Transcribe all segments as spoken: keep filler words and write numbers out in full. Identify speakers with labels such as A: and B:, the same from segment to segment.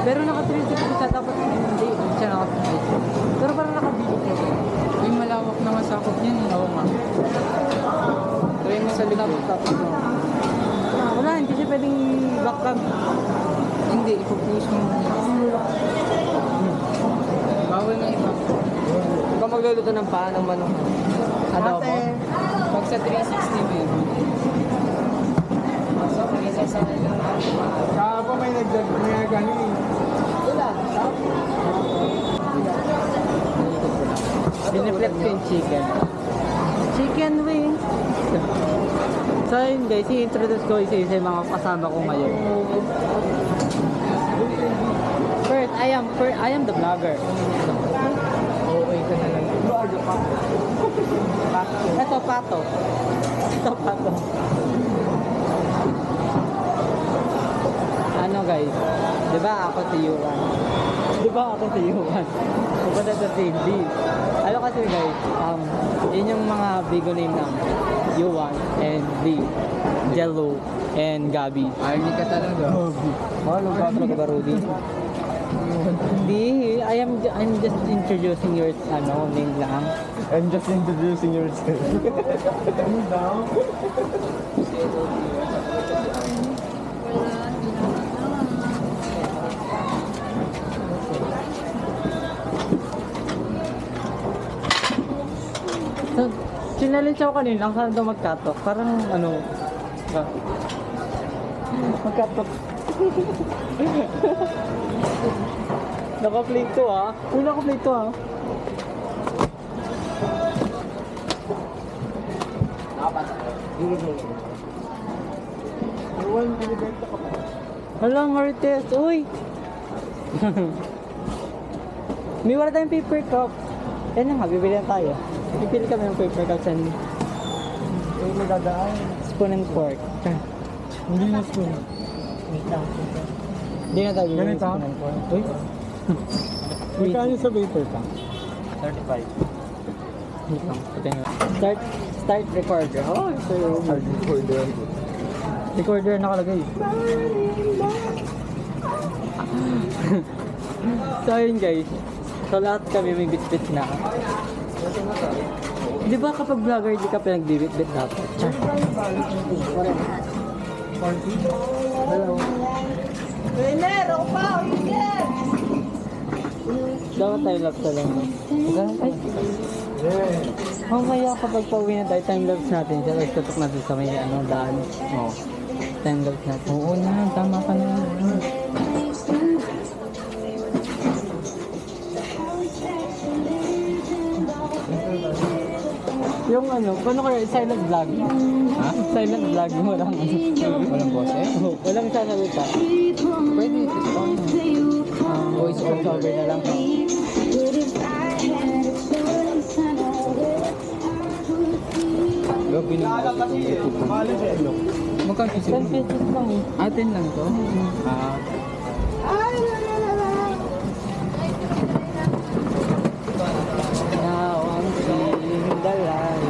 A: Pero naka three sixty siya, dapat hindi siya naka three sixty. Pero parang nakabili siya.
B: May malawak na masakop yan.
A: Oo nga.
B: Try mo sa likod.
A: Tapos, tapos, wala, hindi siya pwedeng back cam.
B: Hindi, ipupush mo. Bawal na iba.
A: Ikaw magluluto ng paa ng manok. Adobo.
B: Ate, pag sa three sixty mo yun. Sa isa sa
C: Kaya pa may nagdag may ganun eh.
A: Wala. Biniflip ko yung chicken. Chicken wings. So yun guys, i-introduce ko isa-isa yung mga kasama ko ngayon. First, I am first, I am the vlogger.
B: okay ka na lang.
A: Ito, pato. Ito, pato. Ano guys, di ba ako si Yuan? Di ba ako si Yuan? Pupunta sa T V. Ano kasi guys, um, yun yung mga bigo name ng Yuan and Lee, Jello, and Gabi.
B: Army ka talaga.
A: Ano ba talaga Rudy? Hindi, I am ju- I'm just introducing your ano name lang.
C: I'm just introducing yourself. Ano daw?
A: So, sinalensya ko kanina, saan daw magkatok? Parang ano, ba? Magkatok. Naka-play to ah. Uy, naka-play to ah.
C: Iwan, binibenta ka pa.
A: Hala, Marites, uy! May wala tayong paper cup. Yan na nga, bibili na tayo. Bibili kami ng paper cup sa
C: Ay, magdadaan.
A: spoon and fork.
C: Hindi na spoon.
A: Wait lang. Hindi na tayo bibili ng
C: Ganito?
A: spoon and fork. Uy!
C: Magkano sa paper ka?
A: thirty-five. Wait lang. Ito nga. Start, start recorder. Oh, ito yung
C: Hard recorder.
A: recorder nakalagay. So yun guys. So lahat kami may bit-bit na. Di ba kapag vlogger di ka pinagbibit-bit dapat? Char. Hello.
D: Winner, pa, winner!
A: Dapat tayo lapse na lang. Ay. Mamaya kapag pauwi na tayo, time-lapse natin siya. Tapos tutok natin sa may ano, daan.
B: Oo.
A: Time-lapse natin.
B: Oo na, tama ka na.
A: Yung ano, paano kaya silent vlog?
B: Ha?
A: Silent vlog, walang ano.
B: Walang boses?
A: Oh, walang sasalita.
B: Pwede, ito pa.
A: Um, voice over na lang.
B: Gabi na.
C: Mahal siya, ano?
B: Magkano
A: ten
B: sila?
A: pesos lang eh.
B: Atin lang to? Ah.
A: Now ang siling dalay.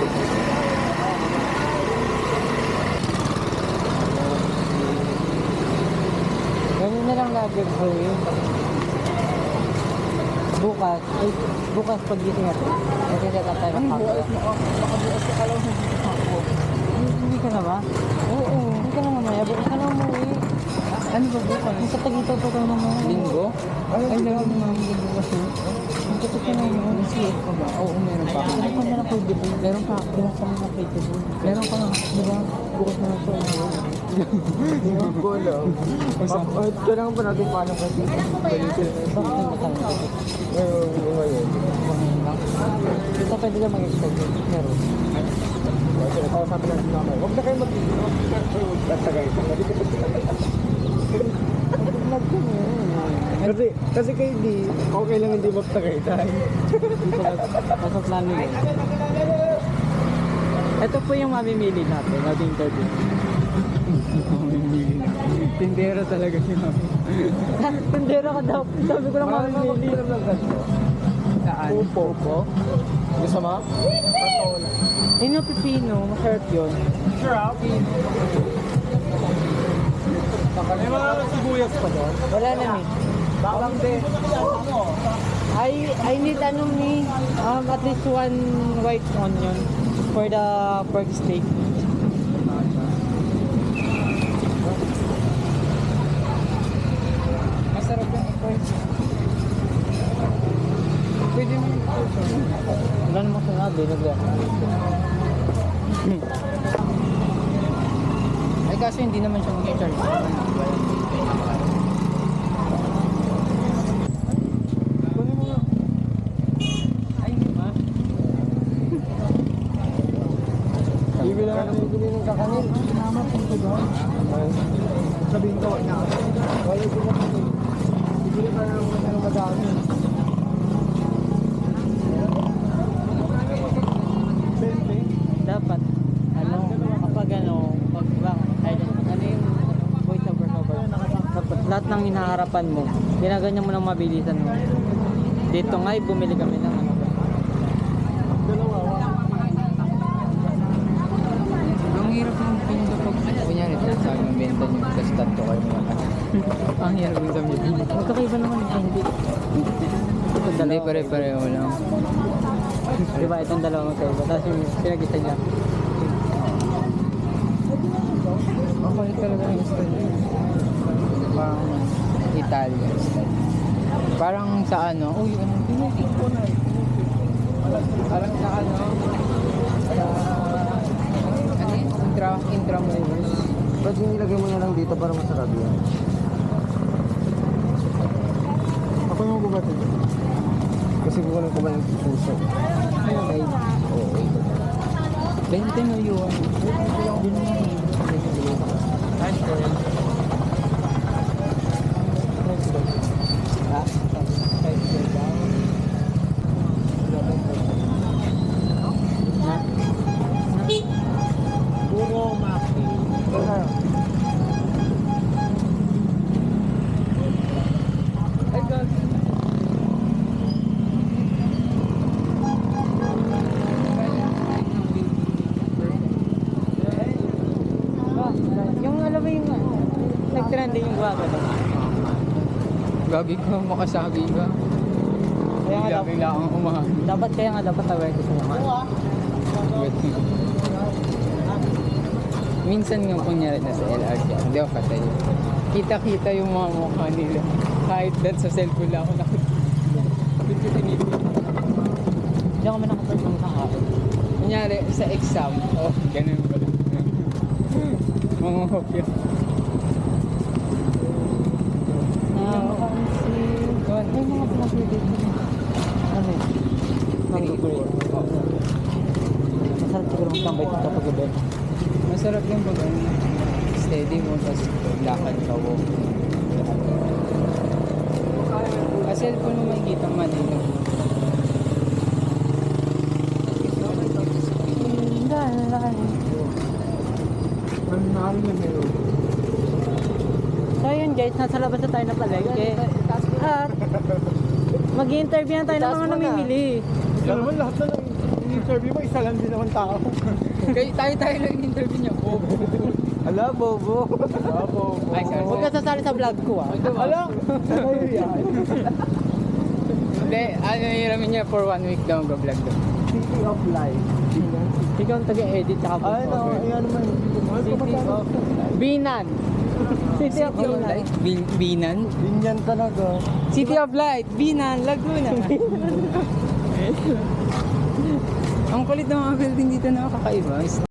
A: Ganun na lang lagi gawin. Bukas, ay, bukas pag gising natin. Kasi na tayo ng hapon.
B: Nakabukas ka lang sa ako.
A: Hindi ka na ba? Oo, hindi ka na mamaya. Bukas ka na umuwi.
B: Ano ba bukas?
A: Ang katagito pa ka naman.
B: Linggo? Ay, lagi naman linggo kasi.
A: Ang katagito ka naman.
B: May C F ka ba? Oo, meron pa ako.
A: Ano pa na lang kayo dito?
B: Meron pa ako.
A: Pinasa mo na kayo dito.
B: Meron pa nga.
A: Di ba? Bukas na lang siya.
C: Hindi ko alam. Mapahit ka lang pa natin paano kasi.
A: Bakit hindi ka na?
C: Ngayon, ngayon.
A: Ito pwede ka mag-expect. Meron.
C: Kasi nakausapin natin namin. Huwag na kayo mag-ibig. Huwag na tagay.
A: Vlog ko mo.
C: Kasi, kasi kayo di, okay lang hindi magtagay tayo.
A: Dito pasok namin yun. Ito po yung mamimili natin. Nating interview.
B: Tindero talaga si Mami.
A: Tindera ka daw. Sabi ko lang mamimili.
B: Saan?
C: Upo. Upo? Gusto mo?
A: Yun yung pipino. Masarap yun.
C: Sure, May mga sibuyas pa doon.
A: Wala na eh.
C: Baklang din.
A: I I need ano ni um at least one white onion for the pork steak.
B: Masarap yung pork. Pwede mo yung pork.
A: Wala namang sinabi, nagla.
B: Ay kaso hindi naman siya mag-charge.
C: Kunin mo nga.
B: Ay, hindi ba?
C: Bibili lang natin bibili ng kakanin. Mama, punto ba? Sabihin ko, wala. Wala ko na kami. Bibili pa lang naman ng madami.
A: Dapat ano kapag ano pag bang ay, ano yung voice over cover. Dapat lahat ng hinaharapan mo, ginaganyan mo ng mabilisan mo. Dito nga ay bumili kami ng ano.
B: Ang hirap ng pinto pag kunyari, sa akin yung benta nyo, tapos tatlo kayo mga kasi. Ang hirap yung sa meeting.
A: Magkakaiba naman eh, hindi. Ito
B: Hindi,
A: dalawa.
B: pare-pareho lang.
A: Di ba itong dalawa magkaiba? Tapos yung pinag-isa niya.
B: Makulit talaga yung style. Parang Italian style. Parang sa ano, uy, ano, tinitik ko na eh. Parang sa ano, sa, ano yun, intra, intramuros.
C: Ba't yung nilagay mo na lang dito para masarap yan? Ako yung gubatid. Kasi kukunin ko ba yung puso?
B: Okay.
C: Oo.
B: Bente mo yun. Yun na yun.
A: Ha?
C: Puro maki.
B: Ay, God.
A: Yung alam mo yung nag-trending yung guwaga ba?
B: Gagi ko, makasabi ka.
A: Kaya nga dapat,
B: Bigla-bigla akong umahan.
A: dapat kaya nga dapat aware ko sa mga.
B: Minsan nga kunyari na sa L R T, hindi ako patay. Kita-kita yung mga mukha nila. Kahit that sa cellphone lang ako nakikita.
A: Hindi ako man nakapag ng kahapon.
B: Kunyari sa exam, oh, ganun pala. Mga hopya.
A: Ah, si... Ay, mga pinapili dito. Ano yun? Mag-grade. Masarap siguro magtambay dito kapag gabi.
B: Masarap yung pag ano, steady mo, tapos lakad ka, walk. Sa cellphone mo makikita Manila.
C: Ang nari na meron.
A: So yun guys, nasa labas na tayo na palengke. At mag-i-interview na tayo ng mga namimili.
C: Ito naman lahat na lang. Yung interview mo, isa lang din naman tao.
B: Kaya tayo-tayo lang yung interview niya. Oh,
C: Ala, bobo. Ala, bobo.
B: Ay, sorry.
A: Huwag ka sasali sa vlog ko ah.
C: Ala, ano yan?
B: Hindi, ano hiramin niya for one week daw ang vlog daw.
C: City of Life.
A: Ikaw ang taga-edit tsaka
C: Ay, no,
A: voiceover.
C: ayan naman.
A: City of Binan. City of
B: City of
A: Binan.
B: Light, Bin- Binan.
C: Binyan talaga.
B: City of Light, Binan, Laguna. Ang kulit ng mga building dito na kakaiba.